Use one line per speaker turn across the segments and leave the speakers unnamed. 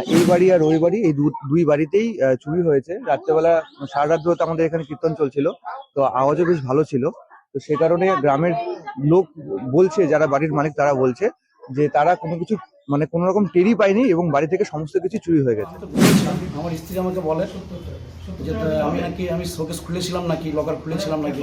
এই বাড়ি আর ওই বাড়ি, এই দুই বাড়িতেই চুরি হয়েছে রাত্রেবেলা। সারা রাত ধরে তো আমাদের এখানে কীর্তন চলছিল, তো আওয়াজও বেশ ভালো ছিল। তো সে কারণে গ্রামের লোক বলছে, যারা বাড়ির মালিক তারা বলছে যে তারা কোনো কিছু মানে কোনো রকম টেরই পায়নি এবং বাড়ি থেকে সমস্ত কিছু চুরি হয়ে গেছে।
আমার স্ত্রী আমাকে বলে যে আমি শোকেস খুলেছিলাম নাকি, লকার খুলেছিলাম নাকি।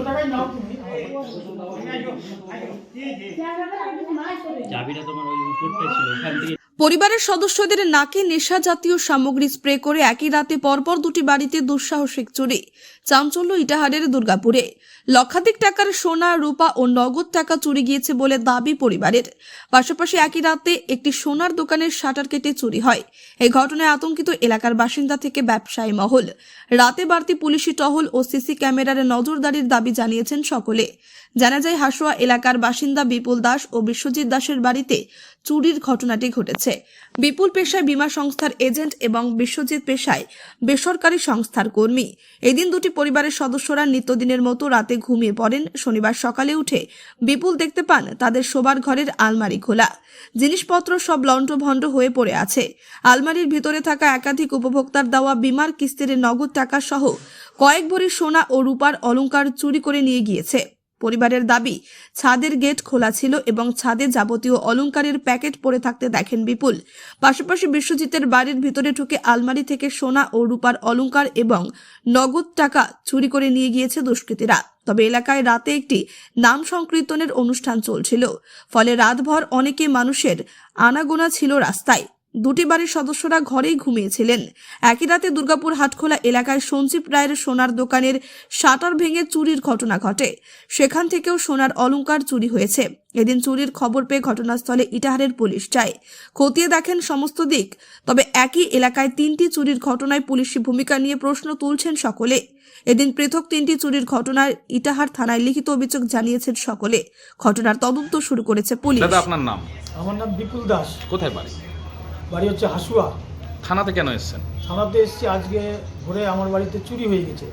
চাবিটা তোমার ওই উপরটা ছিল, ওখান থেকে।
পরিবারের সদস্যদের নাকে নেশা জাতীয় সামগ্রী স্প্রে করে একই রাতে পরপর দুটি বাড়িতে দুঃসাহসিক চুরি। চাঞ্চল্য ইটাহারের দুর্গাপুরে। লক্ষাধিক টাকার সোনা, রূপা ও নগদ টাকা চুরি গিয়েছে বলে দাবি পরিবারের। পাশাপাশি একই রাতে একটি সোনার দোকানের শাটার কেটে চুরি হয়। এই ঘটনায় আতঙ্কিত এলাকার বাসিন্দা থেকে ব্যবসায়ী মহল। রাতে বাড়তি পুলিশি টহল ও সিসি ক্যামেরার নজরদারির দাবি জানিয়েছেন সকলে। জানা যায়, হাসুয়া এলাকার বাসিন্দা বিপুল দাস ও বিশ্বজিৎ দাসের বাড়িতে চুরির ঘটনাটি ঘটেছে। বিপুল পেশায় বীমা সংস্থার এজেন্ট এবং বিশ্বজিৎ পেশায় বেসরকারি সংস্থার কর্মী। এদিন দুটি পরিবারের সদস্যরা নিত্যদিনের মতো রাতে ঘুমিয়ে পড়েন। শনিবার সকালে উঠে বিপুল দেখতে পান তাদের শোবার ঘরের আলমারি খোলা, জিনিসপত্র সব লণ্ডভণ্ড হয়ে পড়ে আছে। আলমারির ভিতরে থাকা একাধিক উপভোক্তার দেওয়া বীমার কিস্তির নগদ টাকা সহ কয়েক ভরি সোনা ও রূপার অলংকার চুরি করে নিয়ে গিয়েছে। পরিবারের দাবি, ছাদের গেট খোলা ছিল এবং ছাদে যাবতীয় অলংকারের প্যাকেট পড়ে থাকতে দেখেন বিপুল। পাশাপাশি বিশ্বজিতের বাড়ির ভিতরে ঢুকে আলমারি থেকে সোনা ও রূপার অলংকার এবং নগদ টাকা চুরি করে নিয়ে গিয়েছে দুষ্কৃতীরা। তবে এলাকায় রাতে একটি নাম সংকীর্তনের অনুষ্ঠান চলছিল, ফলে রাতভর অনেকে মানুষের আনাগোনা ছিল রাস্তায়। দুটি বাড়ির সদস্যরা ঘরেই ঘুমিয়েছিলেন। একই রাতে দুর্গাপুর হাটখোলা এলাকায় সঞ্জীব রায়ের সোনার দোকানের শাটার ভেঙে চুরির ঘটনা ঘটে। সেখান থেকেও সোনার অলংকার চুরি হয়েছে। এদিন চুরির খবর পেয়ে ঘটনাস্থলে ইটাহারের পুলিশ যায়। খতিয়ে দেখেন সমস্ত দিক। তবে একই এলাকায় তিনটি চুরির ঘটনায় পুলিশি ভূমিকা নিয়ে প্রশ্ন তুলছেন সকলে। এদিন পৃথক তিনটি চুরির ঘটনায় ইটাহার থানায় লিখিত অভিযোগ জানিয়েছেন সকলে। ঘটনার তদন্ত শুরু করেছে পুলিশ।
দাদা, আপনার নাম?
আমার নাম বিপুল দাস।
কোথায় বাড়ি?
বাড়ি হচ্ছে হাসুয়া।
থানাতে কেন এসেছেন?
থানাতে এসেছি আজকে ভোরে, আমার বাড়িতে চুরি হয়ে গেছে।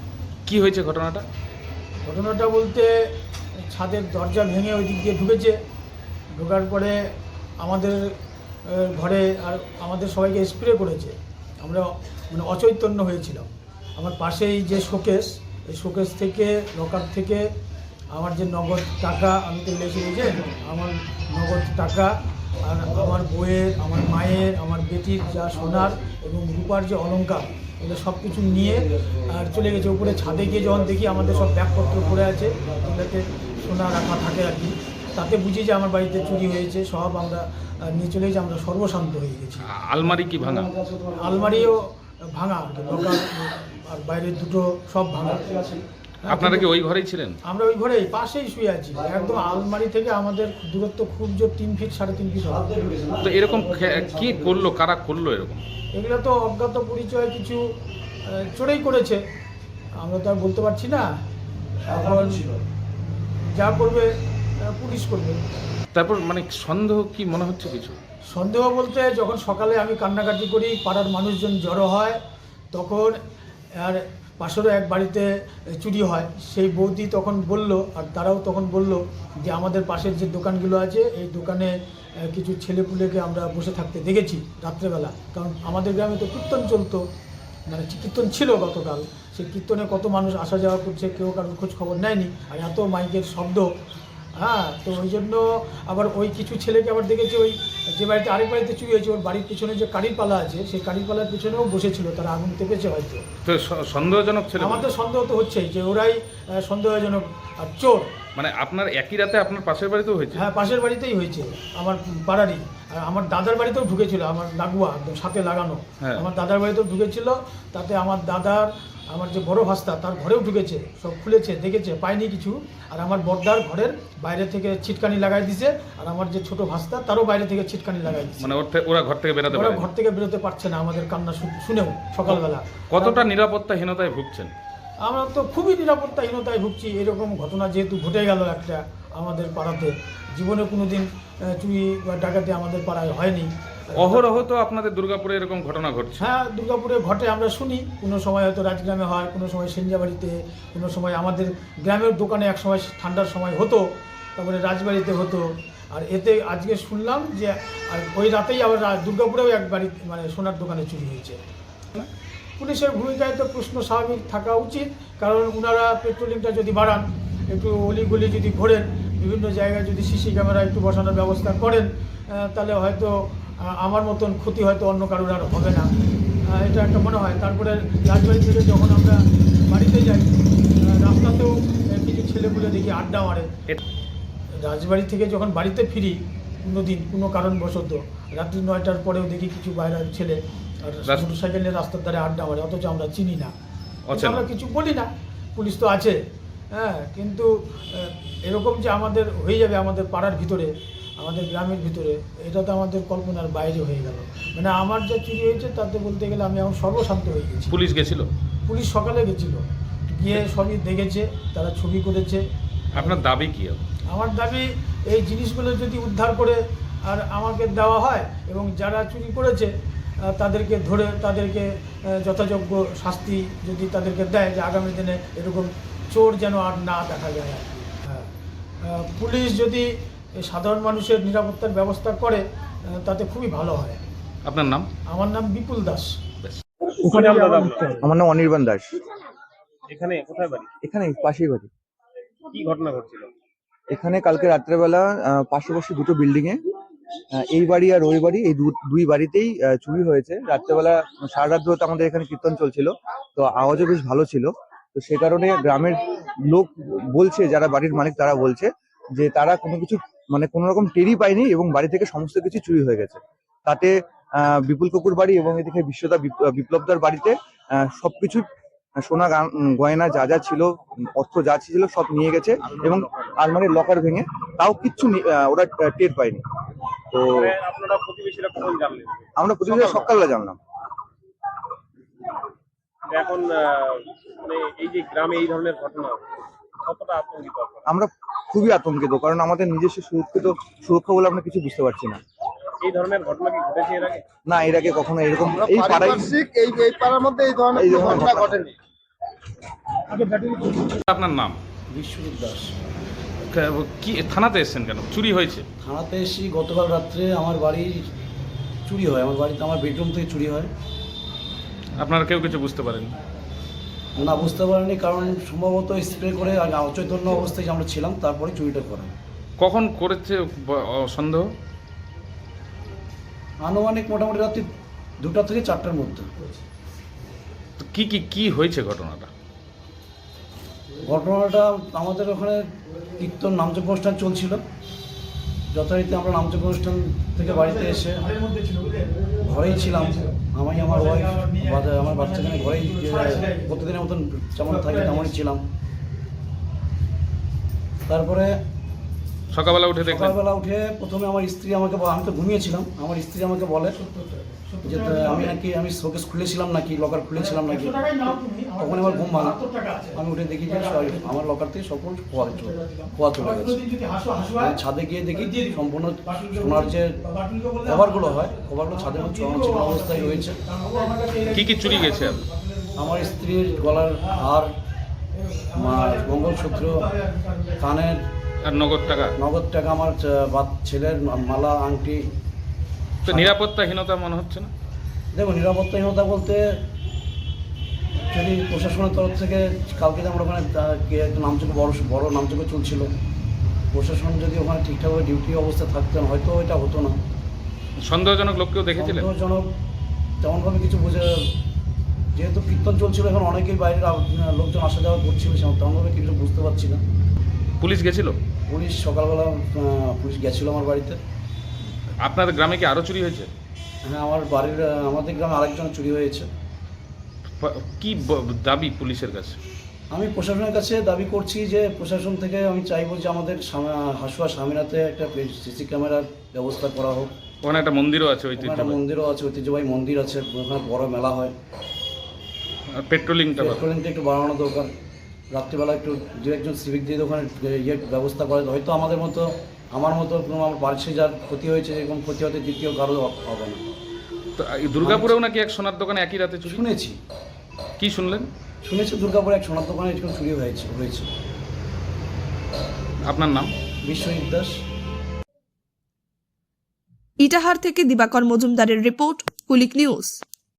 কি হয়েছে ঘটনাটা?
ঘটনাটা বলতে, ছাদের দরজা ভেঙে ওই দিক দিয়ে ঢুকেছে। ঢোকার পরে আমাদের ঘরে আর আমাদের সবাইকে স্প্রে করেছে। আমরা মানে অচৈতন্য হয়েছিলাম। আমার পাশেই যে শোকেস, এই শোকেস থেকে, লকার থেকে আমার যে নগদ টাকা, আমি তো লেখে যে আমার নগদ টাকা আর আমার বইয়ের, আমার মায়ের, আমার বেটির যা সোনার এবং রূপার যে অলংকার, এগুলো সব কিছু নিয়ে আর চলে গেছে। উপরে ছাদে গিয়ে যখন দেখি আমাদের সব ব্যাগপত্র পড়ে আছে, যেটাতে সোনা রাখা থাকে আর কি, তাতে বুঝি যে আমার বাড়িতে চুরি হয়েছে। সব আমরা নিয়ে চলে গেছি, আমরা সর্বশান্ত হয়ে গেছি।
আলমারি কি ভাঙা?
আলমারিও ভাঙা আর কি, লকার আর বাইরের দুটো সব ভাঙা।
আপনারা কি ওই ঘরেই ছিলেন?
আমরা ওই ঘরেই পাশেই শুয়ে আছি। একদম আলমারি থেকে আমাদের দূরত্ব খুব জোর 3 ফিট 3.5 ফিট হবে।
তো এরকম কি করলো, কারা করলো এরকম?
এগুলো তো অজ্ঞাত পরিচয় কিছু চোরেই করেছে, আমরা তো আর বলতে পারছি না। এখন যা করবে পুলিশ করবে।
তারপর মানে সন্দেহ কি মনে হচ্ছে কিছু?
সন্দেহ বলতে, যখন সকালে আমি কান্নাকাটি করি, পাড়ার মানুষজন জড়ো হয়, তখন আর পাশেরও এক বাড়িতে চুরি হয়। সেই বৌদি তখন বলল, আর তারাও তখন বলল যে আমাদের পাশের যে দোকানগুলো আছে, এই দোকানে কিছু ছেলেপুলেকে আমরা বসে থাকতে দেখেছি রাত্রেবেলা। কারণ আমাদের গ্রামে তো কীর্তন চলতো, মানে কীর্তন ছিল গতকাল। সেই কীর্তনে কত মানুষ আসা যাওয়া করছে, কেউ কারোর খোঁজ খবর নেয়নি। আর এত মাইকের শব্দ, হ্যাঁ, তো ওই জন্য আবার ওই কিছু ছেলেকে আবার দেখেছি, ওই যে বাড়িতে আরেক বাড়িতে চুরি হয়েছে, ওর বাড়ির পিছনে যে কারির পালা আছে, সেই কারির পালার পিছনেও বসেছিল, তারা আগুন তেপেছে হয়তো।
তো সন্দেহজনক ছিল?
আমাদের সন্দেহ তো হচ্ছেই যে ওরাই সন্দেহজনক আর চোর।
মানে আপনার একই রাতে আপনার পাশের বাড়িতেও হয়েছে?
হ্যাঁ, পাশের বাড়িতেই হয়েছে, আমার পাড়ারই। আর আমার দাদার বাড়িতেও ঢুকেছিল, আমার লাগোয়া একদম সাথে লাগানো। আমার দাদার বাড়িতেও ঢুকেছিল, তাতে আমার দাদার, আমার যে বড় ভাস্তা, তার ঘরেও ঢুকেছে, সব খুলেছে, দেখেছে, পায়নি কিছু। আর আমার বড়দার ঘরের বাইরে থেকে ছিটকানি লাগাই দিছে, আর আমার যে ছোট ভাস্তা, তারও বাইরে থেকে ছিটকানি লাগাই দিছে।
মানে ওরা ঘর থেকে বেরোতে পারে?
ঘর থেকে বেরোতে পারছে না আমাদের কান্না শুনেও সকালবেলা।
কতটা নিরাপত্তাহীনতায় ভুগছেন?
আমরা তো খুবই নিরাপত্তাহীনতায় ভুগছি। এরকম ঘটনা যেহেতু ঘটে গেল একটা আমাদের পাড়াতে, জীবনে কোনোদিন চুরি বা ডাকাতি আমাদের পাড়ায় হয়নি।
অহরহ তো আপনাদের দুর্গাপুরে এরকম ঘটনা ঘটছে?
হ্যাঁ, দুর্গাপুরে ঘটে, আমরা শুনি। কোনো সময় হয়তো রাজগ্রামে হয়, কোনো সময় সেনজাবাড়িতে, কোনো সময় আমাদের গ্রামের দোকানে এক সময় ঠান্ডার সময় হতো, তারপরে রাজবাড়িতে হতো। আর এতে আজকে শুনলাম যে আর ওই রাতেই আবার দুর্গাপুরেও এক বাড়ি মানে সোনার দোকানে চুরি হয়েছে। পুলিশের ভূমিকায় তো প্রশ্ন স্বাভাবিক থাকা উচিত, কারণ ওনারা পেট্রোলিংটা যদি বাড়ান, একটু অলিগলি যদি ঘোরেন, বিভিন্ন জায়গায় যদি সিসি ক্যামেরা একটু বসানোর ব্যবস্থা করেন, তাহলে হয়তো আমার মতন ক্ষতি হয়তো অন্য কারোর আর হবে না, এটা একটা মনে হয়। তারপরে রাজবাড়ি থেকে যখন আমরা বাড়িতে যাই, রাস্তাতেও কিছু ছেলেগুলো দেখি আড্ডা মারে। রাজবাড়ি থেকে যখন বাড়িতে ফিরি কোনো দিন কোনো কারণবশত রাত্রি 9টার পরেও দেখি কিছু বাইরের ছেলে আর মোটরসাইকেল নিয়ে রাস্তার ধারে আড্ডা মারে, অথচ আমরা চিনি না, আমরা কিছু বলি না, পুলিশ তো আছে। হ্যাঁ, কিন্তু এরকম যে আমাদের হয়ে যাবে আমাদের পাড়ার ভিতরে, আমাদের গ্রামের ভিতরে, এটা তো আমাদের কল্পনার বাইরে হয়ে গেল। মানে আমার যা চুরি হয়েছে তাতে বলতে গেলে আমি এখন সর্বশান্ত হয়ে গেছি।
পুলিশ গেছিল?
পুলিশ সকালে গেছিল, গিয়ে সবই দেখেছে, তারা ছবি করেছে।
আপনার দাবি কি?
আমার দাবি এই জিনিসগুলো যদি উদ্ধার করে আর আমাকে দেওয়া হয় এবং যারা চুরি করেছে তাদেরকে ধরে তাদেরকে যথাযোগ্য শাস্তি যদি তাদেরকে দেয়, যে আগামী দিনে এরকম চোর যেন আর না দেখা যায় আর কি। হ্যাঁ, পুলিশ যদি সাধারণ মানুষের নিরাপত্তার ব্যবস্থা করে তাতে খুবই ভালো হয়।
আপনার নাম?
আমার নাম বিপুল দাস।
আমার নাম অনির্বাণ দাস।
এখানে কোথায় বাড়ি?
এখানে পাশেই বাড়ি।
কি ঘটনা ঘটছিল?
এখানে কালকে রাত্রেবেলা পাশাপাশি দুটো বিল্ডিং এ, এই বাড়ি আর ওই বাড়ি, এই দুই বাড়িতেই চুরি হয়েছে। রাত্রেবেলা সারা রাত ধরে তো আমাদের এখানে কীর্তন চলছিল, তো আওয়াজও বেশ ভালো ছিল। তো সে কারণে গ্রামের লোক বলছে, যারা বাড়ির মালিক তারা বলছে যে তারা কোনো কিছু মানে কোনো রকম টেরই পায়নি এবং বাড়ি থেকে সমস্ত কিছু চুরি হয়ে গেছে। তাতে বিপুল কাকুর বাড়ি এবং এদিকে বিশ্বদা বিপ্লবদার বাড়িতে সবকিছু সোনা গয়না যা যা ছিল, অর্থ যা ছিল সব নিয়ে গেছে এবং আলমারির লকার ভেঙে, তাও কিচ্ছু ওরা টের পায়নি। তো
আপনারা প্রতিবেশীরা কখন জানলেন?
আমরা প্রতিবেশীরা সকালবেলা জানলাম।
এখন মানে এই যে গ্রামে এই ধরনের ঘটনা, কতটা আতঙ্কিত আপনারা?
আমরা খুবই আতঙ্কিত, কারণ আমাদের নিজস্ব সুরক্ষা বলে আমরা কিছু বুঝতে পারছি না।
এই ধরনের ঘটনা কি ঘটেছে এর আগে?
না, এর আগে কখনো এরকম এই পাড়ায়
এই পাড়ার মধ্যে এই ধরনের ঘটনা ঘটেনি।
আপনার নাম?
বিশ্বজিৎ দাস।
কি থানাতে এসেছেন কেন? চুরি হয়েছে?
থানাতে এসেছি গতকাল রাত্রে, আমার বাড়ি চুরি হয়, আমার বাড়িতে আমার বেডরুম থেকে চুরি হয়।
আপনারা কেউ কিছু বুঝতে পারেন?
না, বুঝতে পারিনি, কারণ সম্ভবত স্প্রে করে আগে অচৈতন্য অবস্থায় আমরা ছিলাম, তারপরে চুরিটা করা।
কখন করেছে সন্দেহ?
আনুমানিক মোটামুটি রাত্রি 2টা থেকে 4টার মধ্যে।
তো কি হয়েছে ঘটনাটা?
ঘটনাটা আমাদের ওখানে কীর্তন নামযজ্ঞ অনুষ্ঠান চলছিল, যথারীতি আমরা নামযজ্ঞ অনুষ্ঠান থেকে বাড়িতে এসে ঘরেই ছিলাম, আমি আমার ওয়াইফ আমার বাচ্চাখানে ঘরেই প্রতিদিনের মতন যেমন থাকি তেমনই ছিলাম। তারপরে
সকালবেলা উঠে দেখলেন?
সকালবেলা উঠে প্রথমে আমার স্ত্রী আমাকে আমি তো ঘুমিয়েছিলাম, আমার স্ত্রী আমাকে বলে যে আমি শোকেস খুলেছিলাম নাকি, লকার খুলেছিলাম নাকি। তখন আমার ঘুম ভাঙা, আমি উঠে দেখি যে আমার লকার থেকে সকল খোয়া চলে গেছে। ছাদে গিয়ে দেখি সম্পূর্ণ সোনার যে কভারগুলো হয়, কভারগুলো ছাদের মধ্যে চলানো অবস্থায় রয়েছে।
কি চুরি গেছে?
আমার স্ত্রীর গলার হার, মঙ্গলসূত্র, কানের
আর নগদ টাকা,
আমার ছেলের মালা, আংটি।
তো নিরাপত্তাহীনতা মনে হচ্ছে না?
দেখো, নিরাপত্তাহীনতা বলতে যদি প্রশাসনের তরফ থেকে কালকে যে আমরা ওখানে একটা নামযজ্ঞ বড় নামযজ্ঞ চলছিল, প্রশাসন যদি ওখানে ঠিকঠাকভাবে ডিউটি অবস্থা থাকতেন হয়তো এটা হতো না।
সন্দেহজনক লোককেও দেখেছিলেন?
সন্দেহজনক তেমনভাবে কিছু যেহেতু কীর্তন চলছিল, এখন অনেকেই বাইরের লোকজন আসা যাওয়া করছিল, তেমনভাবে কিছু বুঝতে পারছি না।
পুলিশ গেছিল?
পুলিশ সকালবেলা পুলিশ গেছিলো আমার বাড়িতে।
আপনাদের গ্রামে কি আরো চুরি হয়েছে?
হ্যাঁ, আমাদের গ্রামে আরেকজন চুরি হয়েছে।
কি দাবি পুলিশের কাছে?
আমি প্রশাসনের কাছে দাবি করছি যে প্রশাসন থেকে আমি চাইবো যে আমাদের হাসুয়া স্বামীনাতে একটা সিসি ক্যামেরার ব্যবস্থা করা হোক।
ওখানে একটা মন্দিরও আছে,
একটা মন্দিরও আছে, ঐতিহ্যবাহী মন্দির আছে, ওখানে বড় মেলা হয়।
পেট্রোলিংটা
একটু বাড়ানো দরকার। রাত্রিবেলা একটু দু একজন সিভিক দিয়ে ওখানে ব্যবস্থা করে, হয়তো আমার মতো আমার বাড়িতে যার ক্ষতি হয়েছে এরকম ক্ষতি হতে দ্বিতীয় কারো হবে না।
তো দুর্গাপুরেও নাকি এক সোনার দোকানে একই রাতে চুরি?
শুনেছি।
কি শুনলেন?
শুনেছি দুর্গাপুরে এক সোনার দোকানে এরকম চুরি হয়েছে।
আপনার নাম?
বিশ্বজিৎ দাস।
ইটাহার থেকে দিবাকর মজুমদারের রিপোর্ট কুলিক নিউজ।